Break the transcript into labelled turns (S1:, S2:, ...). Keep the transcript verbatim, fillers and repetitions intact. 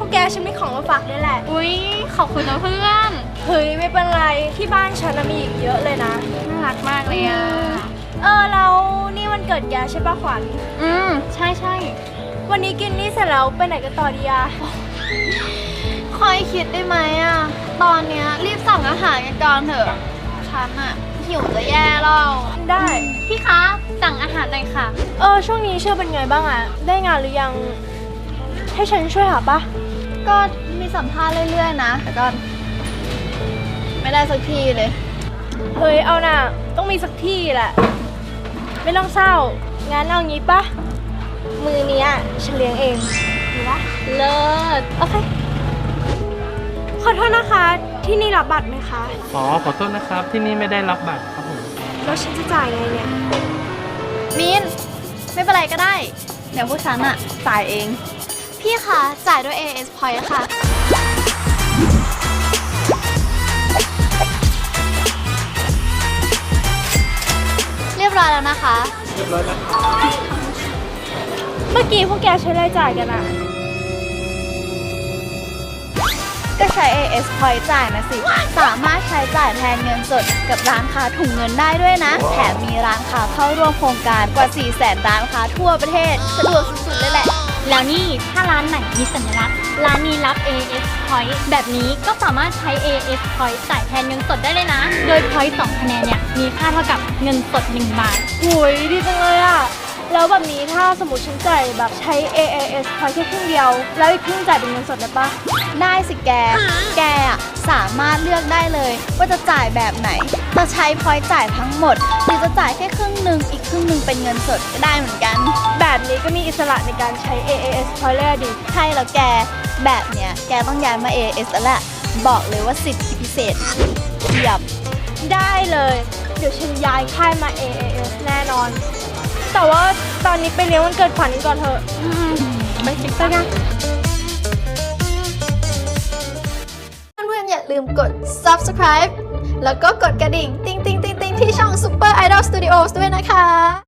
S1: วกแกฉันมีของมาฝากด้วยแหละ
S2: อุ๊ยขอบคุณนะเพื่อน
S1: เฮ้ยไม่เป็นไรที่บ้านฉันน่ะมีอีกเยอะเลยนะ
S2: น่ารักมากเลยอ่ะ
S1: เออแล้วนี่วันเกิดแกใช่ปะขวัญ
S2: อืมใช่ใช่
S1: วันนี้กินนี่เสร็จแล้วไปไหนกันต่อดีอะ
S2: คอยคิดได้ไหมอ่ะตอนเนี้ยรีบสั่งอาหารกันก่อนเถอะฉันอ่ะหิวจะแย่แล้ว
S1: ได้
S2: พี่คะสั่งอาหารหน่อยค่ะ
S1: เออช่วงนี้เชื่อเป็นไงบ้างอะได้งานหรือยังให้ฉันช่วยหาปะ
S2: ก็มีสัมภาษณ์เรื่อยๆนะแต่ก็ไม่ได้สักทีเลย
S1: เฮ้ยเอาน่ะต้องมีสักที่แหละ ไม่ต้องเศร้างั้นเอางี้ปะมือเนี้ยฉันเลี้ยงเองดีปะ
S2: เลิศ
S1: โอเคขอโทษนะคะที่นี่รับบัตรไหมคะ
S3: อ๋อขอโทษนะครับที่นี่ไม่ได้รับบัตรครับผม
S1: แล้วฉันจะจ่ายไงเนี่ย
S2: มินไม่เป็นไรก็ได้ เดี๋ยวพวกฉันอะจ่ายเอง พี่คะจ่ายด้วย เอ เอส Point ค่ะ เรียบร้อยแล้วนะคะ
S3: เรียบร้อยแล้ว
S1: เมื่อกี้พวกแกใช้รายจ่ายกันอะ
S2: ก็ใช้ เอ เอส Point จ่ายนะสิ สามารถใช้จ่ายแทนเงินสดกับร้านค้าถุงเงินได้ด้วยนะ แถมมีร้านค้าเข้าร่วมโครงการกว่า สี่แสน ร้านค้าทั่วประเทศ สะดวกสุดๆเลยแหละ
S4: แล้วนี่ถ้าร้านไหนมีสัญลักษณ์ร้านนี้รับ เอ เอส Point แบบนี้ก็สามารถใช้ เอ เอส Point จ่ายแทนเงินสดได้เลยนะ โดย Point สองคะแนนเนี่ยมีค่าเท่ากับเงินสดหนึ่งบาท
S1: หุยดีจังเลยอะแล้วแบบนี้ถ้าสมมติฉันจ่ายแบบใช้ เอ เอ เอส พอยแค่ครึ่งเดียว แล้วอีกครึ่งจ่ายเป็นเงินสดได้ปะ
S2: ได้สิแก แกอะสามารถเลือกได้เลยว่าจะจ่ายแบบไหน จะใช้พอยต์จ่ายทั้งหมด หรือจะจ่ายแค่ครึ่งหนึ่งอีกครึ่งหนึ่งเป็นเงินสดก็ได้เหมือนกัน
S1: แบบนี้ก็มีอิสระในการใช้ เอ เอ เอส พอยเลยอะดิ
S2: ใช่แล้วแก แบบเนี้ยแกต้องย้ายมา เอ เอส แล้วแหละ บอกเลยว่าสิทธิพิเศษเทียบ
S1: ได้เลย เดี๋ยวฉันย้ายค่ายมา เอ เอ เอส แน่นอน แต่ว่าตอนนี้ไปเลี้ยงวันเกิดขวัญกันก่อนเถอะไปคิดซะกัน
S2: เพื่อนๆอย่าลืมกด subscribe แล้วก็กดกระดิ่ง ติ๊งติ๊งติ๊งติ๊งที่ช่อง Super Idol Studios ด้วยนะคะ